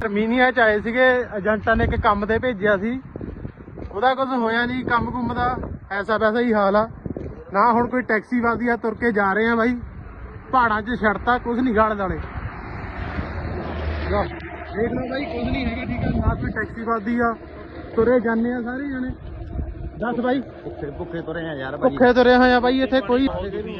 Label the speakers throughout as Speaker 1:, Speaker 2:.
Speaker 1: Armenia 'ਚ ਆਏ ਸੀਗੇ, ਏਜੰਟਾਂ ਨੇ ਇੱਕ ਕੰਮ ਤੇ ਭੇਜਿਆ ਸੀ, ਉਹਦਾ ਕੁਝ ਹੋਇਆ ਨਹੀਂ, ਕੰਮ ਕੁੰਮ ਦਾ ਐਸਾ ਵੈਸਾ ਹੀ ਹਾਲ ਆ ਨਾ। ਹੁਣ ਕੋਈ ਟੈਕਸੀ ਵੱਜਦੀ ਆ, ਤੁਰ ਕੇ ਜਾ ਰਹੇ ਆ ਬਾਈ, ਪਹਾੜਾਂ 'ਚ ਛੱਡਤਾ, ਕੁਝ ਨਹੀਂ ਗਾਲ ਵਾਲੇ। ਦੇਖ ਲਓ ਬਾਈ, ਕੁਝ ਨਹੀਂ ਹੈਗਾ, ਠੀਕ ਆ ਨਾ, ਕੋਈ ਟੈਕਸੀ ਵੱਜਦੀ ਆ, ਤੁਰੇ ਜਾਂਦੇ ਆ ਸਾਰੇ ਜਣੇ। ਦੱਸ ਬਾਈ,
Speaker 2: ਭੁੱਖੇ ਤੁਰੇ ਆ ਯਾਰ,
Speaker 1: ਭੁੱਖੇ ਤੁਰੇ ਹੋਏ ਆ ਬਾਈ, ਇੱਥੇ ਕੋਈ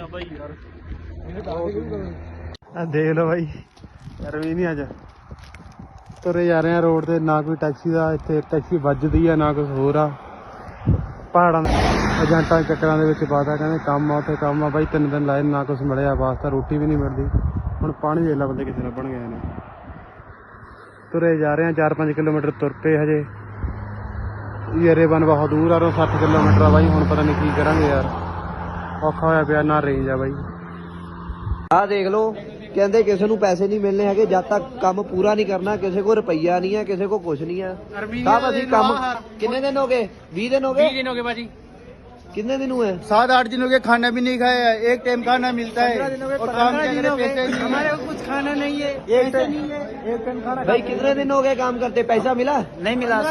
Speaker 1: ਦੇਖ ਲਓ ਬਾਈ, ਅਰਮੀਨੀਆ 'ਚ ਤੁਰੇ ਜਾ ਰਹੇ ਆ ਰੋਡ ਤੇ, ਨਾ ਕੋਈ ਟੈਕਸੀ ਦਾ ਇੱਥੇ ਟੈਕਸੀ ਵੱਜਦੀ ਆ ਨਾ ਕੁਝ ਹੋਰ ਆ। ਪਹਾੜਾਂ ਦੇ ਏਜੰਟਾਂ ਚੱਕਰਾਂ ਦੇ ਵਿੱਚ ਪਾਤਾ, ਕਹਿੰਦੇ ਕੰਮ ਆ ਉੱਥੇ ਕੰਮ ਆ ਬਾਈ, 3 ਦਿਨ ਲਾਏ ਨਾ ਕੁਝ ਮਿਲਿਆ, ਵਾਸਤਾ ਰੋਟੀ ਵੀ ਨਹੀਂ ਮਿਲਦੀ। ਹੁਣ ਪਾਣੀ ਦੇ ਲਾ ਬੰਦੇ ਕਿੱਥੇ ਲੱਭਣ ਗਏ ਨੇ। ਤੁਰੇ ਜਾ ਰਹੇ ਆ 4-5 ਕਿਲੋਮੀਟਰ ਤੁਰ ਪਏ ਹਜੇ। ਯਰੇਬਨ ਬਹੁਤ ਦੂਰ ਆ, 60 ਕਿਲੋਮੀਟਰ ਆ ਬਾਈ। ਹੁਣ ਪਤਾ ਨਹੀਂ ਕੀ ਕਰਾਂਗੇ ਯਾਰ, ਔਖਾ ਹੋਇਆ ਪਿਆ, ਨਾ ਰੇਂਜ ਆ ਬਾਈ।
Speaker 2: ਆਹ ਦੇਖ ਲਓ, ਕਹਿੰਦੇ ਕਿਸੇ ਨੂੰ ਪੈਸੇ ਨਹੀਂ ਮਿਲਣੇ ਹੈਗੇ ਜਦ ਤੱਕ ਕੰਮ ਪੂਰਾ ਨਹੀਂ ਕਰਨਾ। ਕਿਸੇ ਕੋਲ ਰੁਪਈਆ ਨਹੀਂ ਹੈ, ਕਿਸੇ ਕੋਲ ਕੁਝ ਨਹੀਂ ਹੈ। ਸਭ ਅਸੀਂ ਕੰਮ ਕਿੰਨੇ ਦਿਨ ਹੋ ਗਏ? 20 ਦਿਨ हो गए?
Speaker 1: 20 दिन हो गए बाजी।
Speaker 2: कितने दिन हुए?
Speaker 3: 7-8 दिन हो गए, खाना भी नहीं खाया है। एक टाइम खाना मिलता है और काम के लिए पैसे नहीं,
Speaker 1: हमारे को कुछ खाना नहीं है,
Speaker 3: एक टाइम खाना।
Speaker 2: भाई कितने दिन हो गए काम करते, पैसा मिला?
Speaker 3: नहीं मिला।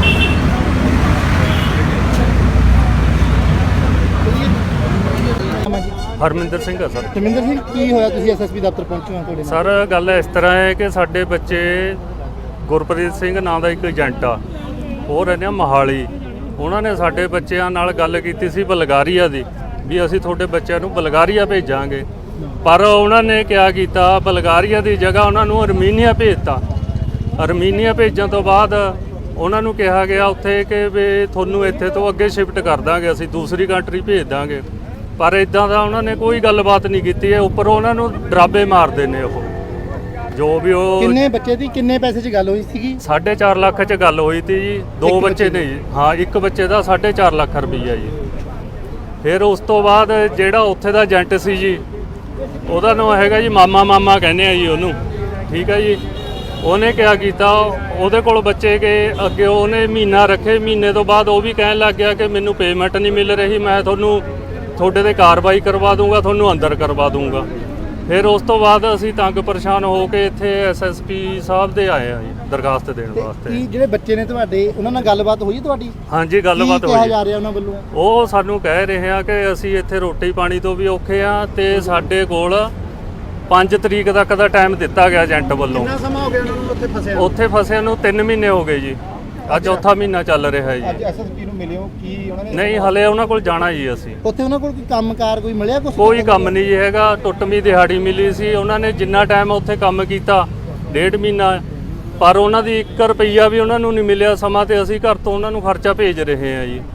Speaker 4: ਹਰਮਿੰਦਰ ਸਿੰਘ ਆ ਸਰ।
Speaker 1: ਧਰਮਿੰਦਰ ਸਿੰਘ, ਕੀ ਹੋਇਆ ਤੁਸੀਂ ਐਸਐਸਪੀ ਦਫ਼ਤਰ ਪਹੁੰਚੇ ਹੋ? ਤੁਹਾਡੇ
Speaker 4: ਸਰ ਗੱਲ ਇਸ ਤਰ੍ਹਾਂ ਹੈ ਕਿ ਸਾਡੇ ਬੱਚੇ ਗੁਰਪ੍ਰੀਤ ਸਿੰਘ ਨਾਂ ਦਾ ਇੱਕ ਏਜੰਟ ਆ, ਉਹ ਰਹਿੰਦੇ ਆ ਮੋਹਾਲੀ। ਉਹਨਾਂ ਨੇ ਸਾਡੇ ਬੱਚਿਆਂ ਨਾਲ ਗੱਲ ਕੀਤੀ ਸੀ ਬਲਗਾਰੀਆ ਦੀ, ਵੀ ਅਸੀਂ ਤੁਹਾਡੇ ਬੱਚਿਆਂ ਨੂੰ ਬਲਗਾਰੀਆ ਭੇਜਾਂਗੇ। ਪਰ ਉਹਨਾਂ ਨੇ ਕਿਆ ਕੀਤਾ, ਬਲਗਾਰੀਆ ਦੀ ਜਗ੍ਹਾ ਉਹਨਾਂ ਨੂੰ ਅਰਮੀਨੀਆ ਭੇਜਤਾ। ਅਰਮੀਨੀਆ ਭੇਜਣ ਤੋਂ ਬਾਅਦ ਉਹਨਾਂ ਨੂੰ ਕਿਹਾ ਗਿਆ ਉੱਥੇ ਕਿ ਵੀ ਤੁਹਾਨੂੰ ਇੱਥੇ ਤੋਂ ਅੱਗੇ ਸ਼ਿਫਟ ਕਰ ਦਾਂਗੇ, ਅਸੀਂ ਦੂਸਰੀ ਕੰਟਰੀ ਭੇਜ ਦਾਂਗੇ। ਪਰ ਇਦਾਂ ਦਾ ਉਹਨਾਂ ਨੇ ਕੋਈ ਗੱਲਬਾਤ ਨਹੀਂ ਕੀਤੀ ਹੈ। ਉੱਪਰ ਉਹਨਾਂ ਨੂੰ ਡਰਾਬੇ ਮਾਰਦੇ ਨੇ ਉਹ, ਜੋ ਵੀ ਉਹ।
Speaker 1: ਕਿੰਨੇ ਬੱਚੇ ਦੀ ਕਿੰਨੇ ਪੈਸੇ 'ਚ ਗੱਲ ਹੋਈ ਸੀਗੀ?
Speaker 4: 4.5 ਲੱਖ 'ਚ ਗੱਲ ਹੋਈ ਤੀ ਜੀ। 2 ਬੱਚੇ ਨੇ ਜੀ। ਹਾਂ, ਇੱਕ ਬੱਚੇ ਦਾ 4.5 ਲੱਖ ਰੁਪਈਆ ਜੀ। ਫਿਰ ਉਸ ਤੋਂ ਬਾਅਦ ਜਿਹੜਾ ਉੱਥੇ ਦਾ ਏਜੰਟ ਸੀ ਜੀ, ਉਹਦਾ ਨਾਮ ਹੈਗਾ ਜੀ ਮਾਮਾ ਕਹਿੰਦੇ ਆ ਜੀ ਉਹਨੂੰ, ਠੀਕ ਹੈ ਜੀ। ਉਹਨੇ ਕਿਆ ਕੀਤਾ, ਉਹਦੇ ਕੋਲ ਬੱਚੇ ਗਏ ਅੱਗੇ, ਉਹਨੇ ਮਹੀਨਾ ਰੱਖੇ। ਮਹੀਨੇ ਤੋਂ ਬਾਅਦ ਉਹ ਵੀ ਕਹਿਣ ਲੱਗ ਗਿਆ ਕਿ ਮੈਨੂੰ ਪੇਮੈਂਟ ਨਹੀਂ ਮਿਲ ਰਹੀ, ਮੈਂ ਤੁਹਾਨੂੰ ਤੁਹਾਡੇ ਤੇ ਕਾਰਵਾਈ ਕਰਵਾ ਦੂੰਗਾ, ਤੁਹਾਨੂੰ ਅੰਦਰ ਕਰਵਾ ਦੂੰਗਾ। ਫਿਰ ਉਸ ਤੋਂ ਬਾਅਦ ਅਸੀਂ ਤੰਗ ਪਰੇਸ਼ਾਨ ਹੋ ਕੇ ਇੱਥੇ ਐਸਐਸਪੀ ਸਾਹਿਬ ਦੇ ਆਏ ਆ ਜੀ ਦਰਖਾਸਤ ਦੇਣ ਵਾਸਤੇ।
Speaker 1: ਕੀ ਜਿਹੜੇ ਬੱਚੇ ਨੇ ਤੁਹਾਡੇ, ਉਹਨਾਂ ਨਾਲ ਗੱਲਬਾਤ ਹੋਈ ਤੁਹਾਡੀ?
Speaker 4: ਹਾਂਜੀ, ਗੱਲਬਾਤ
Speaker 1: ਕੀ ਕਿਹਾ
Speaker 4: ਹੋਈ।
Speaker 1: ਜਾ ਰਿਹਾ ਉਹਨਾਂ ਵੱਲੋਂ?
Speaker 4: ਉਹ ਸਾਨੂੰ ਕਹਿ ਰਹੇ ਆ ਕਿ ਅਸੀਂ ਇੱਥੇ ਰੋਟੀ ਪਾਣੀ ਤੋਂ ਵੀ ਔਖੇ ਆ, ਤੇ ਸਾਡੇ ਕੋਲ 5 ਤਰੀਕ ਤੱਕ ਦਾ ਟਾਈਮ ਦਿੱਤਾ ਗਿਆ ਏਜੰਟ ਵੱਲੋਂ।
Speaker 1: ਕਿੰਨਾ ਸਮਾਂ ਹੋ ਗਿਆ ਉਹਨਾਂ ਨੂੰ ਉੱਥੇ ਫਸਿਆ?
Speaker 4: ਉੱਥੇ ਫਸਿਆਂ ਨੂੰ 3 ਮਹੀਨੇ ਹੋ ਗਏ ਜੀ। ਅੱਜ ਚੌਥਾ ਮਹੀਨਾ ਚੱਲ ਰਿਹਾ ਜੀ।
Speaker 1: ਅੱਜ ਐਸਐਸਪੀ ਨੂੰ ਮਿਲੇ ਹੋ? ਕੀ ਉਹਨਾਂ ਨੇ? ਨਹੀਂ,
Speaker 4: ਹਲੇ ਉਹਨਾਂ ਕੋਲ ਜਾਣਾ ਜੀ ਅਸੀਂ।
Speaker 1: ਉੱਥੇ ਉਹਨਾਂ ਕੋਲ ਕੋਈ ਕੰਮਕਾਰ ਕੋਈ ਮਿਲਿਆ?
Speaker 4: ਕੋਈ ਕੰਮ ਨਹੀਂ ਜੀ ਹੈਗਾ, ਟੁੱਟਵੀਂ ਦਿਹਾੜੀ ਮਿਲੀ ਸੀ। ਉਹਨਾਂ ਨੇ ਜਿੰਨਾ ਟਾਈਮ ਉੱਥੇ ਕੰਮ ਕੀਤਾ 1.5 ਮਹੀਨਾ, ਪਰ ਉਹਨਾਂ ਦੀ 1 ਰੁਪਈਆ ਵੀ ਉਹਨਾਂ ਨੂੰ ਨਹੀਂ ਮਿਲਿਆ ਸਮਾਂ, ਤੇ ਅਸੀਂ ਘਰ ਤੋਂ ਉਹਨਾਂ ਨੂੰ ਖਰਚਾ ਭੇਜ ਰਹੇ ਹਾਂ ਜੀ।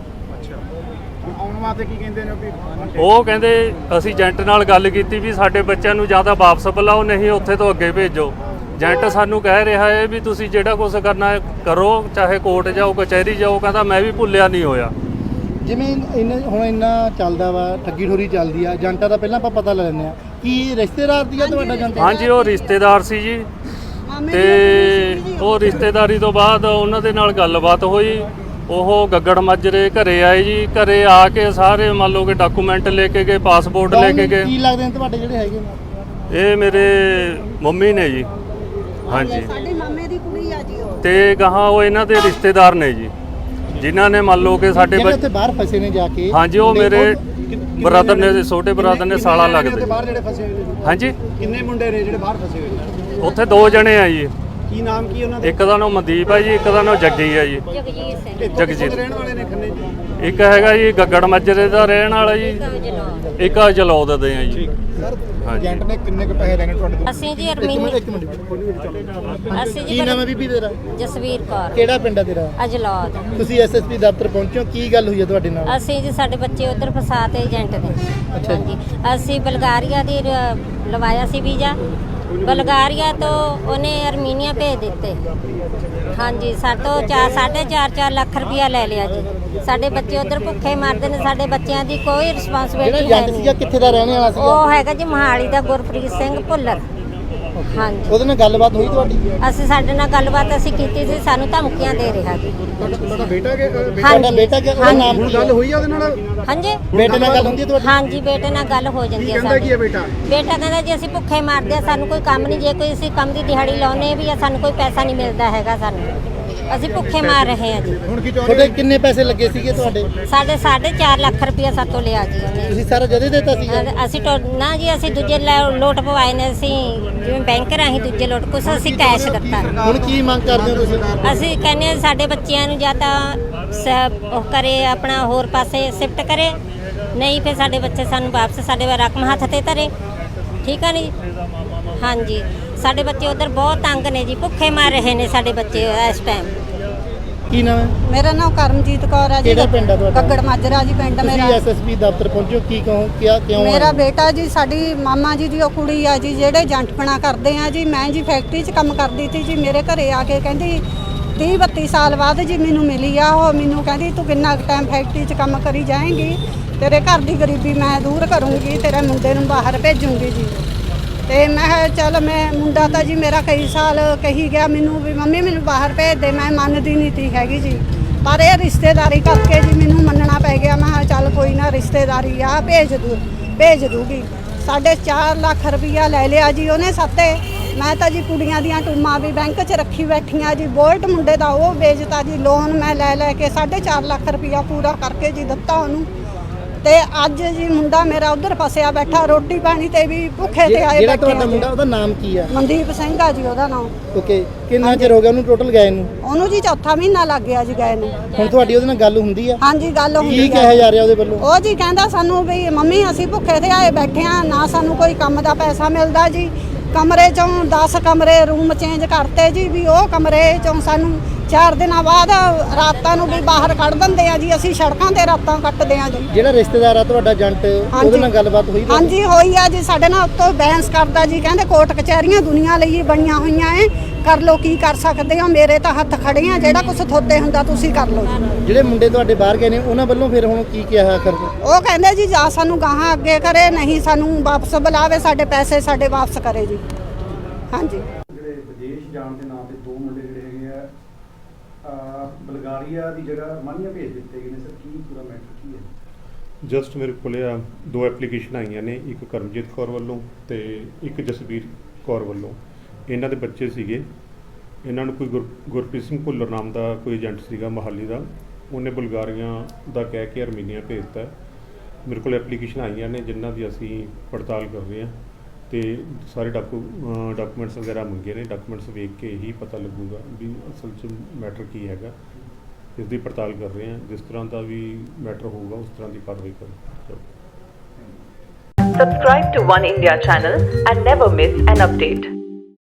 Speaker 1: ਆਉਣ ਵਾਸਤੇ ਕੀ ਕਹਿੰਦੇ ਨੇ?
Speaker 4: ਉਹ ਕਹਿੰਦੇ ਅਸੀਂ ਏਜੰਟ ਨਾਲ ਗੱਲ ਕੀਤੀ ਵੀ ਸਾਡੇ ਬੱਚਿਆਂ ਨੂੰ ਜਾਂ ਤਾਂ ਵਾਪਸ ਬੁਲਾਓ, ਨਹੀਂ ਉੱਥੇ ਤੋਂ ਅੱਗੇ ਭੇਜੋ। ਏਜੰਟ ਸਾਨੂੰ ਕਹਿ ਰਿਹਾ ਹੈ ਵੀ ਤੁਸੀਂ ਜਿਹੜਾ ਕੁਝ ਕਰਨਾ ਹੈ ਕਰੋ, ਚਾਹੇ ਕੋਰਟ ਜਾਓ, ਕਚਹਿਰੀ ਜਾਓ। ਕਹਿੰਦਾ ਮੈਂ ਵੀ ਭੁੱਲਿਆ ਨਹੀਂ ਹੋਇਆ।
Speaker 1: ਜਿਵੇਂ ਹੁਣ ਇੰਨਾ ਚੱਲਦਾ ਵਾ, ਠੱਗੀ ਠੋਰੀ ਚੱਲਦੀ ਆ, ਏਜੰਟਾਂ ਦਾ ਪਹਿਲਾਂ ਆਪਾਂ ਪਤਾ ਲੈ ਲੈਂਦੇ ਆ। ਕੀ ਰਿਸ਼ਤੇਦਾਰ ਦੀ ਆ ਤੁਹਾਡਾ ਏਜੰਟ?
Speaker 4: ਹਾਂਜੀ, ਉਹ ਰਿਸ਼ਤੇਦਾਰ ਸੀ ਜੀ, ਤੇ ਉਹ ਰਿਸ਼ਤੇਦਾਰੀ ਤੋਂ ਬਾਅਦ ਉਹਨਾਂ ਦੇ ਨਾਲ ਗੱਲਬਾਤ ਹੋਈ। ਉਹ ਗੱਗੜ ਮਾਜਰੇ ਘਰੇ ਆਏ ਜੀ। ਘਰੇ ਆ ਕੇ ਸਾਰੇ ਮੰਨ ਲਓ ਕਿ ਡਾਕੂਮੈਂਟ ਲੈ ਕੇ ਗਏ, ਪਾਸਪੋਰਟ ਲੈ ਕੇ ਗਏ।
Speaker 1: ਕੀ ਲੱਗਦੇ ਨੇ ਤੁਹਾਡੇ ਜਿਹੜੇ ਹੈਗੇ ਨੇ?
Speaker 4: ਇਹ ਮੇਰੇ ਮੰਮੀ ਨੇ ਜੀ। ਹਾਂਜੀ,
Speaker 5: ਸਾਡੇ ਮਾਮੇ ਦੀ ਕੁੜੀ ਆ ਜੀ ਉਹ।
Speaker 4: ਤੇ ਗਾਹਾਂ ਉਹ ਇਹਨਾਂ ਦੇ ਰਿਸ਼ਤੇਦਾਰ ਨੇ ਜੀ, ਜਿਨ੍ਹਾਂ ਨੇ ਮੰਨ ਲਓ ਕਿ ਸਾਡੇ
Speaker 1: ਜਿਹੜੇ ਉੱਥੇ ਬਾਹਰ ਫਸੇ ਨੇ ਜਾ ਕੇ।
Speaker 4: ਹਾਂਜੀ, ਉਹ ਮੇਰੇ ਬ੍ਰਦਰ ਨੇ, ਛੋਟੇ ਬ੍ਰਦਰ ਨੇ, ਸਾਲਾ ਲੱਗਦੇ।
Speaker 1: ਬਾਹਰ ਜਿਹੜੇ ਫਸੇ ਹੋਏ ਨੇ?
Speaker 4: ਹਾਂਜੀ,
Speaker 1: ਕਿੰਨੇ ਮੁੰਡੇ ਨੇ ਜਿਹੜੇ ਬਾਹਰ ਫਸੇ ਹੋਏ ਨੇ?
Speaker 4: ਉੱਥੇ 2 ਜਣੇ ਆ ਜੀ।
Speaker 1: ਕੀ ਨਾਮ ਕੀ ਉਹਨਾਂ ਦਾ?
Speaker 4: ਇੱਕ ਦਾ ਨਾਮ ਮਨਦੀਪ ਹੈ ਜੀ, ਇੱਕ ਦਾ ਨਾਮ ਜੱਗੀ ਹੈ ਜੀ। ਜਗਜੀਤ
Speaker 1: ਰਹਿਣ ਵਾਲੇ ਨੇ ਖੰਨੇ ਜੀ?
Speaker 4: ਇੱਕ ਹੈਗਾ ਜੀ ਗੱਗੜ ਮਾਜਰੇ ਦਾ ਰਹਿਣ ਵਾਲਾ ਜੀ, ਇੱਕ ਜਲੌਦ ਦੇ ਆ ਜੀ। ਹਾਂਜੀ,
Speaker 1: ਏਜੰਟ ਨੇ ਕਿੰਨੇ ਕੁ ਪੈਸੇ ਲੈਣੇ ਤੁਹਾਡੇ ਤੋਂ?
Speaker 5: ਅਸੀਂ ਜੀ ਅਰਮੀਨੀ। ਅਸੀਂ
Speaker 1: ਕੀ
Speaker 5: ਜੀ
Speaker 1: ਨਾਮ ਹੈ ਬੀਬੀ ਤੇਰਾ?
Speaker 5: ਜਸਵੀਰ ਕੌਰ,
Speaker 1: ਕਿਹੜਾ ਪਿੰਡ ਹੈ ਤੇਰਾ?
Speaker 5: ਅਜਲੌਦ।
Speaker 1: ਤੁਸੀਂ ਐਸਐਸਪੀ ਦਫ਼ਤਰ ਪਹੁੰਚੇ ਹੋ, ਕੀ ਗੱਲ ਹੋਈ ਹੈ ਤੁਹਾਡੇ ਨਾਲ?
Speaker 5: ਅਸੀਂ ਜੀ ਸਾਡੇ ਬੱਚੇ ਉਧਰ ਫਸਾਤੇ ਏਜੰਟ ਨੇ।
Speaker 1: ਅੱਛਾ ਜੀ।
Speaker 5: ਹਾਂਜੀ, ਅਸੀਂ ਬਲਗਾਰੀਆ ਦੀ ਲਵਾਇਆ ਸੀ ਵੀਜ਼ਾ। ਬਲਗਾਰੀਆ ਤੋਂ ਉਹਨੇ ਅਰਮੀਨੀਆ ਭੇਜ ਦਿੱਤੇ। ਹਾਂਜੀ, ਸਾਤੋਂ 4.5 ਲੱਖ ਰੁਪਇਆ ਲੈ ਲਿਆ ਜੀ। ਸਾਡੇ ਬੱਚੇ ਉਧਰ ਭੁੱਖੇ ਮਰਦੇ ਨੇ, ਸਾਡੇ ਬੱਚਿਆਂ ਦੀ ਕੋਈ ਰਿਸਪੌਂਸਿਬਿਲਟੀ
Speaker 1: ਜਿਹੜਾ
Speaker 5: ਹੈ
Speaker 1: ਏਜੰਟ
Speaker 5: ਨਹੀਂ।
Speaker 1: ਸੀਗਾ ਕਿੱਥੇ ਦਾ ਰਹਿਣ ਵਾਲਾ ਸੀਗਾ?
Speaker 5: ਉਹ ਹੈਗਾ ਜੀ ਮੋਹਾਲੀ ਦਾ ਗੁਰਪ੍ਰੀਤ ਸਿੰਘ ਭੁੱਲਰ। ਹਾਂਜੀ
Speaker 1: ਉਹਦੇ ਨਾਲ ਗੱਲਬਾਤ ਹੋਈ ਤੁਹਾਡੀ?
Speaker 5: ਅਸੀਂ ਸਾਡੇ ਨਾਲ ਗੱਲਬਾਤ ਅਸੀਂ ਕੀਤੀ ਸੀ, ਸਾਨੂੰ ਧਮਕੀਆਂ ਦੇ ਰਿਹਾ ਜੀ।
Speaker 1: ਤੁਹਾਡਾ ਬੇਟਾ ਕਿ
Speaker 5: ਹਾਂਜੀ।
Speaker 1: ਬੇਟਾ ਕਿ ਉਹਦਾ ਨਾਮ ਗੱਲ ਹੋਈ ਆ ਉਹਦੇ ਨਾਲ?
Speaker 5: ਹਾਂਜੀ
Speaker 1: ਬੇਟੇ ਨਾਲ ਗੱਲ ਹੁੰਦੀ ਹੈ ਤੁਹਾਡੀ?
Speaker 5: ਹਾਂਜੀ ਬੇਟੇ ਨਾਲ ਗੱਲ ਹੋ ਜਾਂਦੀ ਹੈ
Speaker 1: ਕਹਿੰਦਾ ਕੀ ਹੈ
Speaker 5: ਸਾਡੀ।
Speaker 1: ਬੇਟਾ?
Speaker 5: ਬੇਟਾ ਕਹਿੰਦਾ ਜੀ ਅਸੀਂ ਭੁੱਖੇ ਮਰਦੇ ਆ, ਸਾਨੂੰ ਕੋਈ ਕੰਮ ਨਹੀਂ, ਜੇ ਕੋਈ ਅਸੀਂ ਕੰਮ ਦੀ ਦਿਹਾੜੀ ਲਾਉਨੇ ਵੀ ਆ ਸਾਨੂੰ ਕੋਈ ਪੈਸਾ ਨਹੀਂ ਮਿਲਦਾ ਹੈਗਾ, ਸਾਨੂੰ ਅਸੀਂ ਭੁੱਖੇ ਮਾਰ ਰਹੇ ਆ ਜੀ।
Speaker 1: ਹੁਣ ਕੀ ਚਾਹੁੰਦੇ? ਤੁਹਾਡੇ ਕਿੰਨੇ ਪੈਸੇ ਲੱਗੇ ਸੀਗੇ ਤੁਹਾਡੇ?
Speaker 5: ਸਾਡੇ 4.5 ਲੱਖ ਰੁਪਇਆ ਸਾਤੋਂ ਲਿਆ ਜੀ ਉਹਨੇ।
Speaker 1: ਤੁਸੀਂ ਸਾਰਾ ਜਦੇ ਦਿੱਤਾ ਸੀ?
Speaker 5: ਅਸੀਂ ਨਾ ਜੀ ਅਸੀਂ ਦੂਜੇ ਲੋਟ ਪਵਾਏ ਨੇ, ਅਸੀਂ ਜਿਵੇਂ ਬੈਂਕ ਰਾਹੀਂ ਦੂਜੇ ਲੋਟ, ਕੁਛ ਅਸੀਂ ਕੈਸ਼ ਦਿੱਤਾ।
Speaker 1: ਹੁਣ ਕੀ ਮੰਗ ਕਰਦੇ ਹੋ ਤੁਸੀਂ?
Speaker 5: ਅਸੀਂ ਕਹਿੰਦੇ ਹਾਂ ਸਾਡੇ ਬੱਚਿਆਂ ਨੂੰ ਜਾਂ ਤਾਂ ਉਹ ਕਰੇ, ਆਪਣਾ ਹੋਰ ਪਾਸੇ ਸ਼ਿਫਟ ਕਰੇ, ਨਹੀਂ ਫਿਰ ਸਾਡੇ ਬੱਚੇ ਸਾਨੂੰ ਵਾਪਸ ਸਾਡੇ ਰਕਮ ਹੱਥ ਤੇ ਧਰੇ, ਠੀਕ ਆ ਨਹੀਂ? ਹਾਂਜੀ ਸਾਡੇ ਬੱਚੇ ਉਧਰ ਬਹੁਤ ਤੰਗ ਨੇ ਜੀ, ਭੁੱਖੇ ਮਰ ਰਹੇ ਨੇ ਸਾਡੇ ਬੱਚੇ ਇਸ ਟਾਈਮ।
Speaker 1: ਕੀ ਨਾਮ ਹੈ?
Speaker 6: ਮੇਰਾ ਨਾਮ ਕਰਮਜੀਤ ਕੌਰ ਹੈ ਜੀ।
Speaker 1: ਕਿਹੜਾ ਪਿੰਡ ਹੈ ਤੁਹਾਡਾ?
Speaker 6: ਗੱਗੜ ਮਾਜਰਾ ਜੀ ਪਿੰਡ ਮੇਰਾ।
Speaker 1: ਤੁਸੀਂ ਐਸਐਸਪੀ ਦਫ਼ਤਰ ਪਹੁੰਚੋ, ਕੀ ਕਹੋ ਕਿਉਂ
Speaker 6: ਮੇਰਾ ਬੇਟਾ ਜੀ, ਸਾਡੀ ਮਾਮਾ ਜੀ ਦੀ ਉਹ ਕੁੜੀ ਆ ਜੀ ਜਿਹੜੇ ਏਜੰਟਪਣਾ ਕਰਦੇ ਆ ਜੀ। ਮੈਂ ਜੀ ਫੈਕਟਰੀ 'ਚ ਕੰਮ ਕਰਦੀ ਸੀ ਜੀ, ਮੇਰੇ ਘਰੇ ਆ ਕੇ ਕਹਿੰਦੀ 30-32 ਸਾਲ ਬਾਅਦ ਜੀ ਮੈਨੂੰ ਮਿਲੀ ਆ ਉਹ, ਮੈਨੂੰ ਕਹਿੰਦੀ ਤੂੰ ਕਿੰਨਾ ਟਾਈਮ ਫੈਕਟਰੀ 'ਚ ਕੰਮ ਕਰੀ ਜਾਏਂਗੀ, ਤੇਰੇ ਘਰ ਦੀ ਗਰੀਬੀ ਮੈਂ ਦੂਰ ਕਰੂੰਗੀ, ਤੇਰੇ ਮੁੰਡੇ ਨੂੰ ਬਾਹਰ ਭੇਜੂੰਗੀ ਜੀ। ਤੇ ਮੈਂ ਕਿਹਾ ਚੱਲ, ਮੈਂ ਮੁੰਡਾ ਤਾਂ ਜੀ ਮੇਰਾ ਕਈ ਸਾਲ ਕਹੀ ਗਿਆ ਮੈਨੂੰ ਵੀ ਮੰਮੀ ਮੈਨੂੰ ਬਾਹਰ ਭੇਜ ਦੇ, ਮੈਂ ਮੰਨਦੀ ਨਹੀਂ ਤੀ ਹੈਗੀ ਜੀ, ਪਰ ਇਹ ਰਿਸ਼ਤੇਦਾਰੀ ਕਰਕੇ ਜੀ ਮੈਨੂੰ ਮੰਨਣਾ ਪੈ ਗਿਆ। ਮੈਂ ਕਿਹਾ ਚੱਲ ਕੋਈ ਨਾ, ਰਿਸ਼ਤੇਦਾਰੀ ਆ, ਭੇਜ ਦੂਗੀ। 4.5 ਲੱਖ ਰੁਪਈਆ ਲੈ ਲਿਆ ਜੀ ਉਹਨੇ ਸਾਤੇ। ਮੈਂ ਤਾਂ ਜੀ ਕੁੜੀਆਂ ਦੀਆਂ ਟੂਮਾਂ ਵੀ ਬੈਂਕ 'ਚ ਰੱਖੀ ਬੈਠੀਆਂ ਜੀ, ਬੋਲਟ ਮੁੰਡੇ ਦਾ ਉਹ ਵੇਚਤਾ ਜੀ, ਲੋਨ ਮੈਂ ਲੈ ਕੇ 4.5 ਲੱਖ ਰੁਪਈਆ ਪੂਰਾ ਕਰਕੇ ਜੀ ਦਿੱਤਾ ਉਹਨੂੰ। ਤੇ ਅੱਜ ਜੀ ਮੁੰਡਾ ਮੇਰਾ ਉਧਰ ਫਸਿਆ ਬੈਠਾ, ਰੋਟੀ ਪਾਣੀ ਤੇ ਵੀ ਭੁੱਖੇ ਤੇ ਆਏ
Speaker 1: ਜਿਹੜਾ
Speaker 6: ਬੈਠੇ।
Speaker 1: ਤੁਹਾਡਾ ਮੁੰਡਾ ਉਹਦਾ ਨਾਮ ਕੀ ਹੈ?
Speaker 6: ਮਨਦੀਪ ਸਿੰਘ ਆ ਜੀ ਉਹਦਾ ਨਾਮ।
Speaker 1: ਓਕੇ, ਕਿੰਨਾ ਚਿਰ ਹੋ ਗਿਆ ਉਹਨੂੰ ਟੋਟਲ ਗਏ ਨੂੰ?
Speaker 6: ਉਹਨੂੰ ਜੀ 4ਥਾ ਮਹੀਨਾ ਲੱਗ ਗਿਆ ਜੀ ਗਏ ਨੂੰ।
Speaker 1: ਹੁਣ ਤੁਹਾਡੀ ਉਹਦੇ ਨਾਲ ਗੱਲ ਹੁੰਦੀ ਆ?
Speaker 6: ਹਾਂਜੀ ਗੱਲ ਹੁੰਦੀ
Speaker 1: ਕੀ ਕਿਹਾ ਜਾ ਰਿਹਾ ਉਹਦੇ ਵੱਲੋਂ?
Speaker 6: ਉਹ ਜੀ ਕਹਿੰਦਾ ਸਾਨੂੰ ਵੀ ਮੰਮੀ ਅਸੀਂ ਭੁੱਖੇ ਤੇ ਆਏ ਬੈਠੇ ਆ, ਨਾ ਸਾਨੂੰ ਕੋਈ ਕੰਮ ਦਾ ਪੈਸਾ ਮਿਲਦਾ ਜੀ। ਕਮਰੇ ਚੋਂ 10 ਕਮਰੇ ਰੂਮ ਚੇਂਜ ਕਰਤੇ ਜੀ, ਵੀ ਉਹ ਕਮਰੇ ਚੋਂ ਸਾਨੂੰ 4 ਦਿਨਾਂ ਬਾਅਦ ਰਾਤਾਂ ਨੂੰ ਵੀ ਬਾਹਰ ਕੱਢ ਦਿੰਦੇ ਆ ਜੀ, ਅਸੀਂ ਸੜਕਾਂ ਤੇ ਰਾਤਾਂ ਕੱਟਦੇ ਆ ਜੀ।
Speaker 1: ਜਿਹੜਾ ਰਿਸ਼ਤੇਦਾਰ ਆ ਤੁਹਾਡਾ ਏਜੰਟ, ਉਹਦੇ ਨਾਲ ਗੱਲਬਾਤ ਹੋਈ?
Speaker 6: ਹਾਂਜੀ ਹੋਈ ਆ ਜੀ, ਸਾਡੇ ਨਾਲ ਉੱਤੋਂ ਬਹਿਸ ਕਰਦਾ ਜੀ, ਕਹਿੰਦੇ ਕੋਰਟ ਕਚਹਿਰੀਆਂ ਦੁਨੀਆ ਲਈ ਬਣੀਆਂ ਹੋਈਆਂ ਏ, ਕਰ ਲੋ ਕੀ ਕਰ ਸਕਦੇ ਹੋ, ਮੇਰੇ ਤਾਂ ਹੱਥ ਖੜੇ ਆ, ਜਿਹੜਾ ਕੁਝ ਥੋਤੇ ਹੁੰਦਾ ਤੁਸੀਂ ਕਰ ਲੋ ਜੀ।
Speaker 1: ਜਿਹੜੇ ਮੁੰਡੇ ਤੁਹਾਡੇ ਬਾਹਰ ਗਏ ਨੇ ਉਹਨਾਂ ਵੱਲੋਂ ਫਿਰ ਹੁਣ ਕੀ ਕਿਹਾ ਕਰਦੇ?
Speaker 6: ਉਹ ਕਹਿੰਦੇ ਜੀ ਜਾਂ ਸਾਨੂੰ ਗਾਹਾਂ ਅੱਗੇ ਕਰੇ, ਨਹੀਂ ਸਾਨੂੰ ਵਾਪਸ ਬੁਲਾਵੇ, ਸਾਡੇ ਪੈਸੇ ਸਾਡੇ ਵਾਪਸ ਕਰੇ ਜੀ। ਹਾਂਜੀ
Speaker 7: ਜਿਹੜੇ ਵਿਦੇਸ਼ ਜਾਣ ਦੇ ਨਾਂ ਤੇ 2 ਮੁੰਡੇ ਜਿਹੜੇ ਹੈਗੇ ਆ ਬਲਗਾਰੀਆ ਦੀ ਜਗ੍ਹਾ ਰਮਾਨੀਆ ਭੇਜ ਦਿੱਤੇ ਗਏ ਨੇ ਸਰ, ਕੀ ਪੂਰਾ ਮੈਟਰ ਕੀ ਹੈ?
Speaker 4: ਜਸਟ ਮੇਰੇ ਕੋਲੇ 2 ਐਪਲੀਕੇਸ਼ਨ ਆਈਆਂ ਨੇ, ਇੱਕ ਕਰਮਜੀਤ ਕੌਰ ਵੱਲੋਂ ਤੇ ਇੱਕ ਜਸਵੀਰ ਕੌਰ ਵੱਲੋਂ। ਇਹਨਾਂ ਦੇ ਬੱਚੇ ਸੀਗੇ, ਇਹਨਾਂ ਨੂੰ ਕੋਈ ਗੁਰਪ੍ਰੀਤ ਸਿੰਘ ਭੁੱਲਰ ਨਾਮ ਦਾ ਕੋਈ ਏਜੰਟ ਸੀਗਾ ਮੋਹਾਲੀ ਦਾ, ਉਹਨੇ ਬੁਲਗਾਰੀਆਂ ਦਾ ਕਹਿ ਕੇ ਅਰਮੀਨੀਆ ਭੇਜਤਾ। ਮੇਰੇ ਕੋਲ ਐਪਲੀਕੇਸ਼ਨ ਆਈਆਂ ਨੇ ਜਿਨ੍ਹਾਂ ਦੀ ਅਸੀਂ ਪੜਤਾਲ ਕਰ ਰਹੇ ਹਾਂ ਤੇ ਸਾਰੇ ਡਾਕੂਮੈਂਟਸ ਵਗੈਰਾ ਮੰਗੇ ਨੇ। ਡਾਕੂਮੈਂਟਸ ਵੇਖ ਕੇ ਹੀ ਪਤਾ ਲੱਗੂਗਾ ਵੀ ਅਸਲ 'ਚ ਮੈਟਰ ਕੀ ਹੈਗਾ, ਇਸ ਦੀ ਪੜਤਾਲ ਕਰ ਰਹੇ ਹਾਂ। ਜਿਸ ਤਰ੍ਹਾਂ ਦਾ ਵੀ ਮੈਟਰ ਹੋਊਗਾ ਉਸ ਤਰ੍ਹਾਂ ਦੀ ਕਾਰਵਾਈ ਕਰਾਂਗੇ।
Speaker 8: Subscribe to One India channel and never miss an update.